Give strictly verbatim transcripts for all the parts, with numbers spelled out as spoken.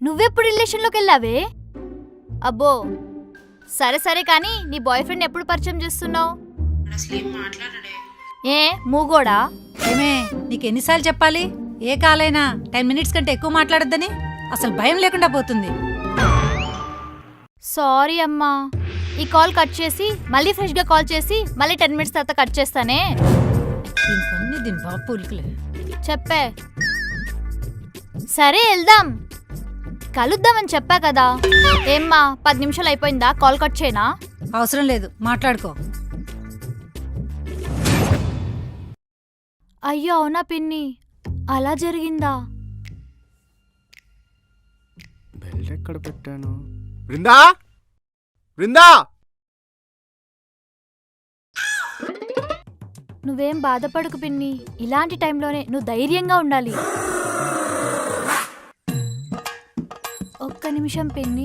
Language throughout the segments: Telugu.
నువ్వెప్పుడు రిలేషన్లోకి వెళ్ళావే? అబ్బో సరే సరే కానీ నీ బాయ్ ఫ్రెండ్ ఎప్పుడు పరిచయం చేస్తున్నావు? ఏ మూగోడా? ఏమే నీకు ఎన్నిసార్లు చెప్పాలి? ఏ కాలైనా టెన్ మినిట్స్ కంటే ఎక్కువ మాట్లాడొద్దని. అసలు భయం లేకుండా పోతుంది. సారీ అమ్మా, ఈ కాల్ కట్ చేసి మళ్ళీ ఫ్రెష్గా కాల్ చేసి మళ్ళీ టెన్ మినిట్స్ తర్వాత కట్ చేస్తానే. దీనికన్నీ దీని బాబు ఉలికలే. చెప్పే. సరే వెళ్దాం, కలుద్దామని చెప్పా కదా. ఏమ్మా పది నిమిషాలు అయిపోయిందా? కాల్ కట్ చేయనా? అవసరం లేదు, మాట్లాడుకో. అయ్యో అవునా పిన్ని, అలా జరిగిందా? బెల్ట్ ఎక్కడ పెట్టాను? బృందా, బృందా! నువ్వేం బాధపడకు పిన్ని, ఇలాంటి టైంలోనే నువ్వు ధైర్యంగా ఉండాలి. ఒక్క నిమిషం పిన్ని.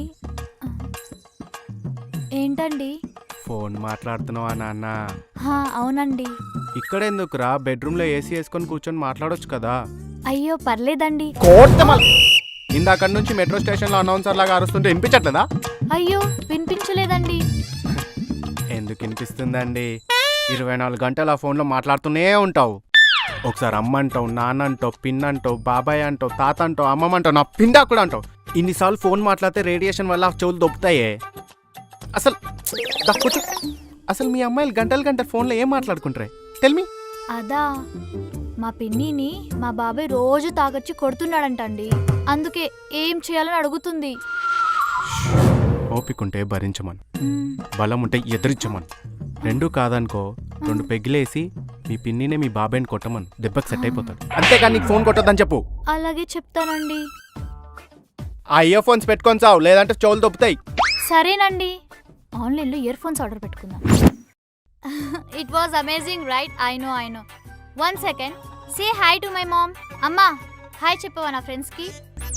ఏంటండి? ఫోన్ మాట్లాడుతున్నావా నాన్న? హా అవునండి. ఇక్కడ ఎందుకురా? బెడ్రూమ్ లో ఏసీ వేసుకొని కూర్చొని మాట్లాడొచ్చు కదా. అయ్యో పర్లేదండి. ఇందాక నుంచి మెట్రో స్టేషన్ లో అనౌన్సర్ లాగా అరుస్తుంటే వినిపించట్లేదా? అయ్యో వినిపించలేదండి. ఎందుకు వినిపిస్తుందండి? ఇరవై నాలుగు గంటలు ఆ ఫోన్లో మాట్లాడుతూనే ఉంటావు. ఒకసారి అమ్మ అంటావు, నాన్న అంటావు, పిన్ అంటావు, బాబాయ్ అంటావు, తాత అంటావు, అమ్మమ్మ అంటావు, నా పిండా కూడా అంటావు. ఇన్నిసార్లు ఫోన్ మాట్లాడితే రేడియేషన్ వల్ల చెవులు దొబ్బుతాయే. అసలు కూర్చో. అసలు మీ అమ్మాయిలు గంటలు గంటలు ఫోన్లో ఏం మాట్లాడుకుంటారే? Tell me. అదా, మా పిన్నిని మా బాబాయ్ రోజు తాగొచ్చి కొడుతున్నాడంటండి. అందుకే ఏం చేయాలని అడుగుతుంది. ఓపికంటే భరించమను, బలం ఉంటే ఎదిరించమను. రెండు కాదనుకో రెండు పెగ్గులేసి మీ పిన్నినే మీ బాబాయ్ని కొట్టమను. దెబ్బకి సెట్ అయిపోతాడు. అంతేకాని నీకు ఫోన్ కొట్టొద్దని చెప్పు. అలాగే చెప్తానండి. ఆ ఇయర్ ఫోన్స్ పెట్టుకొని చావు, లేదంటే చెవులు దొబ్బుతాయి. సరేనండి, ఆన్లైన్లో ఇయర్ ఫోన్స్ ఆర్డర్ పెట్టుకుందాం. It was amazing right? I know I know. One second, say hi to my mom. అమ్మా హాయ్ చెప్పవా నా ఫ్రెండ్స్కి?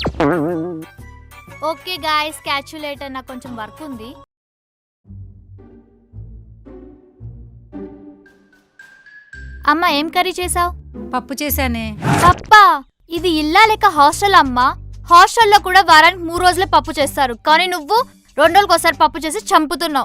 Okay guys, catch you later. నాకు కొంచెం వర్క్ ఉంది. అమ్మా ఏం కర్రీ చేసావు? పప్పు చేశానే. పప్పా? ఇది ఇల్లా లేక హాస్టల్ అమ్మా? హాస్టల్లో కూడా వారానికి మూడు రోజులే పప్పు చేస్తారు, కానీ నువ్వు రెండు రోజులకు ఒకసారి పప్పు చేసి చంపుతున్నావు.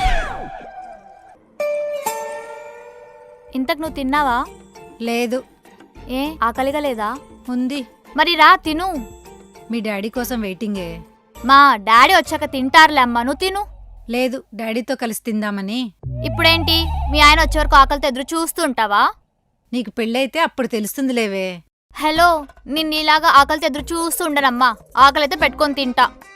ఇంతకు నువ్వు తిన్నావా? లేదు. ఏ ఆకలిగా లేదా? ఉంది. మరి రా తిను. మీ డాడీ కోసం వెయిటింగే. మా డాడీ వచ్చాక తింటారులే అమ్మా, నువ్వు తిను. లేదు, డాడీతో కలిసి తిందామని. ఇప్పుడేంటి మీ ఆయన వచ్చే వరకు ఆకలితో ఎదురు చూస్తూ ఉంటావా? నీకు పెళ్ళైతే అప్పుడు తెలుస్తుందిలేవే. హలో, నిన్ను ఇలాగా ఆకలితో ఎదురు చూస్తూ ఉండనమ్మా. ఆకలితో పెట్టుకొని తింటా.